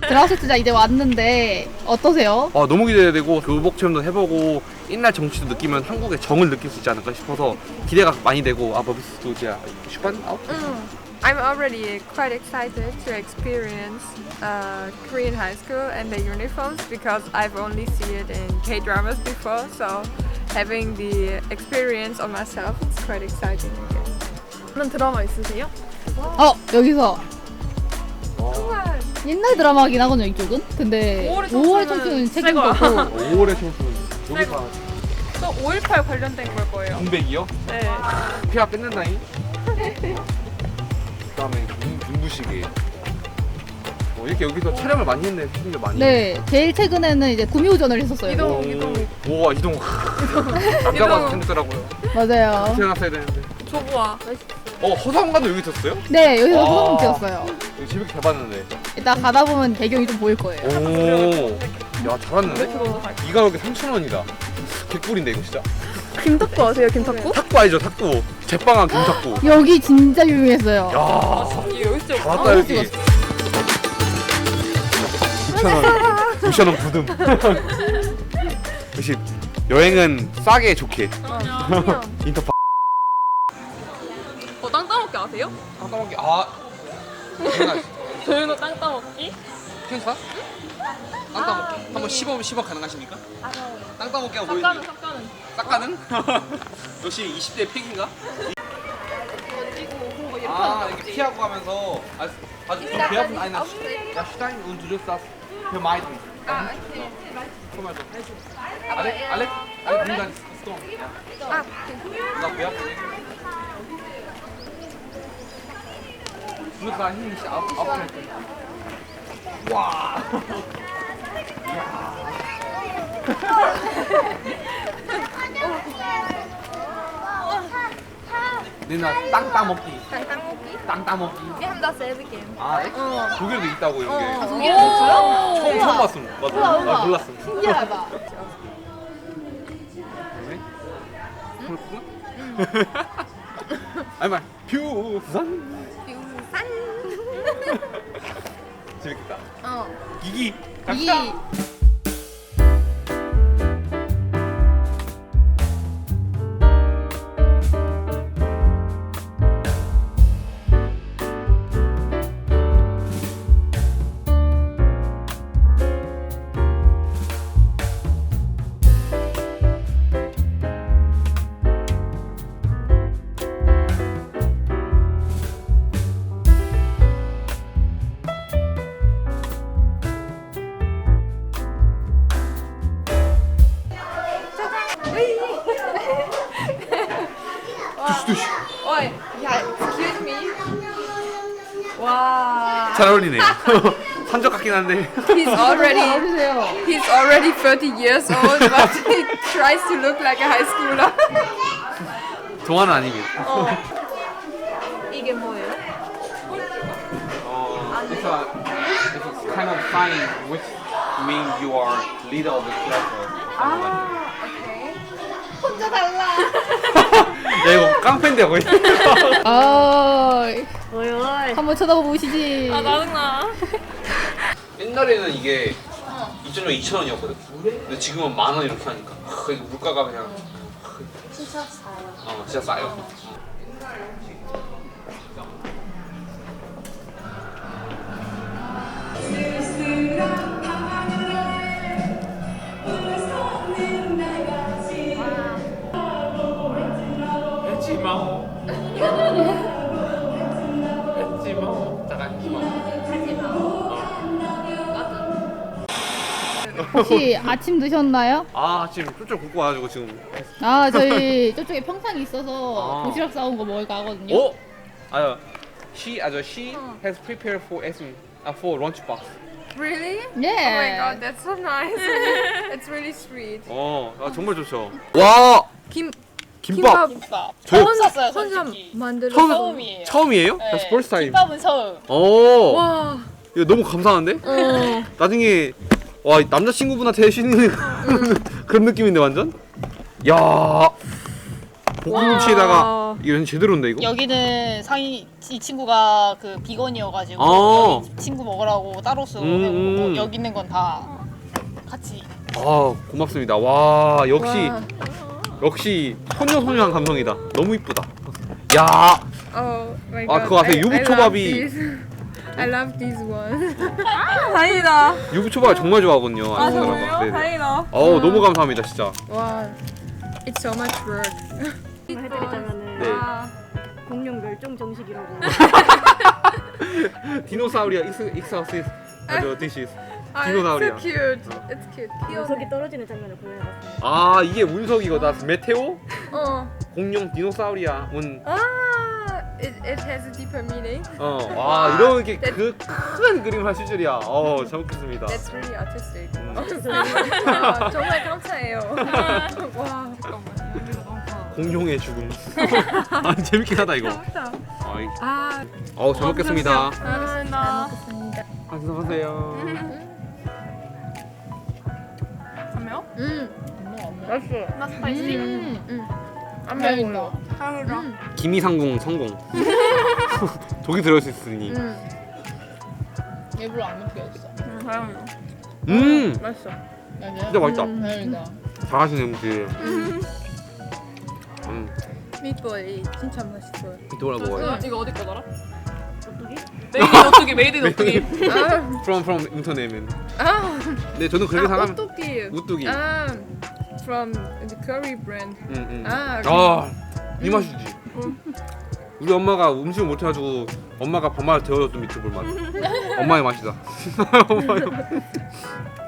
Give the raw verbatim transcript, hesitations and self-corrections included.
드라우스트자 이제 왔는데 어떠세요? 아, 너무 기대되고 교복 체험도 해보고 옛날 정치도 느끼면 한국의 정을 느낄 수 있지 않을까 싶어서 기대가 많이 되고. 아, 버비스도 이제 슈반 아웃? I'm already quite excited to experience uh, Korean high school and the uniforms because I've only seen it in K-dramas before, so having the experience on myself is quite exciting again. 다른 드라마 있으세요? 어 여기서 옛날 드라마긴 하거든요 이쪽은. 근데 오월의 오월의 청춘은 청춘은 새 최근 거야. 거고 오월의 청춘 여기가 또 오일팔 관련된 걸 거예요. 공백이요? 네. 피가 뺏는다잉. 그다음에 눈부시게. 어, 이렇게 여기서 촬영을 많이 했네. 촬영을 많이. 네 제일 최근에는 이제 구미호전을 했었어요. 이동. 오, 이동. 오, 이동. 남자가 생겼더라고요. 맞아요. 태어났어야 되는데. 조보아. 어, 허상관도 여기 있었어요? 네 여기서 와. 소금 찍었어요. 여기 재밌게 잘 봤는데. 이따 가다 보면 배경이 좀 보일 거예요. 오, 야, 잘 왔는데? 들어오서 갈게요. 이 가격에 삼천 원이다. 개꿀인데 이거 진짜. 김탁구 아세요, 김탁구? 탁구 알죠, 탁구. 제빵한 김탁구. 여기 진짜 유명했어요. 야, 여기 진짜 잘 왔다 여기. 찍었어. 구천 원. 구천 원 부듬. 역시 여행은 싸게 좋게. 인터파. 어, 땅 따먹기 아세요? 땅 따먹기. 아. 조윤호 땅 따먹기? 펜사? 땅 따먹기 한번 시범 시범 가능하십니까? 땅 따먹기 한번 삭가는 보여주세요. 삭가는. 싹가는? 역시 이십 대 팩인가? 던지고 그런 거 이렇게 아 하는 이렇게 거지. 피하고 가면서 아, 아주 좀 배아픈 아니 나 야, 슈타인 운주르 사스 그 마이드 Ah, okay. 정말 좀 알렉 알렉 알렉 민간 스톤 Ah, 나 배아프네 누가 힘이 씨 아프 아프 와 누나 땅 따먹기 Tang Tang Moki. 땅 따먹기 Wir haben dasselbe Game. 아, 네? 독일도 있다고 이게. 어. 독일에 있어요? 처음 처음 봤음. 맞아. 우와, 우와. 아, 몰랐음. 신기하다. 왜? 그렇구나. 아니 말 뷰산. Busan. 재밌겠다. Oh. 이기. 이 Oi, ja, excuse me. Wow. 잘 어울리네요. 산적 같긴 한데. He's already 나와주세요. he's already thirty years old, but he tries to look like a high schooler. 동화는 아니고. 이게 뭐예요? 어, it's a it's a kind of sign which means you are leader of the class or something like that. 오케이. 혼자 달라. 야 이거 깡패인데 거의. 아 어이 어이. 한번 쳐다보고 오시지. 아, 짜증나. 옛날에는 이게 이천 원, 이천 원이었거든. 근데 지금은 만 원 이렇게 하니까 하, 이거 물가가 그냥 진짜 싸요. 어, 진짜 싸요. 했지마. 했지마. 잠깐 했지마. 혹시 아침 드셨나요? 아 지금 쫄쫄 굶고 와가지고 지금. 아 저희 저쪽에 평상이 있어서 아. 도시락 싸온 거 먹을까 하거든요. 어? 아, she 아저 she has prepared for us uh, for lunch box. Really? 예. Oh my god, that's so nice. It's really sweet. 어, 아, 정말 좋죠. 와, 김 김밥. 김밥. 저 처음 샀어요, 혼자 솔직히. 만들어. 처음 처음이에요. 처음이에요? 네. That's first time. 김밥은 처음. 오, 와. 이거 너무 감사한데? 어. 나중에 와 남자친구분한테 해주는 그런 느낌인데 완전? 야, 볶음김치에다가 이거 제대로인데 이거? 여기는 상이 이 친구가 그 비건이어가지고 어. 여기 친구 먹으라고 따로 쓰고 음, 음. 뭐 여기 있는 건 다 같이. 아 고맙습니다. 와 역시 와. 역시 소녀소녀한 감성이다. 너무 이쁘다. 야 Oh my 아, god. 그거 아세요? I- I 유부초밥이- love these. I love these ones. 다행이다. 유부초밥 정말 좋아하거든요. 아 아는 정말요? 사람은. 네네. 다행이다. 어우 너무 감사합니다 진짜. Wow. It's so much work. 해드리자면은 네. 아, 공룡 멸종 정식이라고. 디노사우리아 익스 익사우시스 아저 디시스. Oh, it's 디노사우리아. so cute. It's cute. 녀석이 떨어지는 장면을 구현해봤습니다. 아 이게 운석이거다. 메테오? Oh. 공룡 디노사우리아 운. Ah, it, it has a deeper meaning. 어, 와 이렇게 그 큰 그림을 하실 줄이야. 어, 잘 먹겠습니다. That's really artistic. 음. 와, 정말 감사해요. 와. 공룡의 죽음. 아 재밌긴 하다 이거. 아이, 아, 어, 잘 먹겠습니다. 감사합니다. 안녕하세요. 그러면 음, 나 스파이시. 음. 안 다행이다. 매워요. 다행이다. 기미상궁 성공. 독이 들어있으니. 음, 일부러 안 느껴졌어. 응, 다행이다. 음, 맛있어. 진짜 맛있다. 다행이다. 잘하시네 음식. 음, 미트볼이 진짜 맛있어요. 돌아 먹어요. 이거 어디 거더라? 어떻게? 메이드 오뚜기, 메이드 오뚜기. 아, From from 인터넷은. 아, 네, 저는 그렇게 아, 사람. 오뚜기. 우뚝이. 아, from the curry brand. 음, 음. 아, 아, 이 맛이지. 우리 엄마가 음식을 못 해가지고 엄마가 밥맛을 데워줬던 미트볼 맛. 엄마의 맛이다. 엄마의 맛.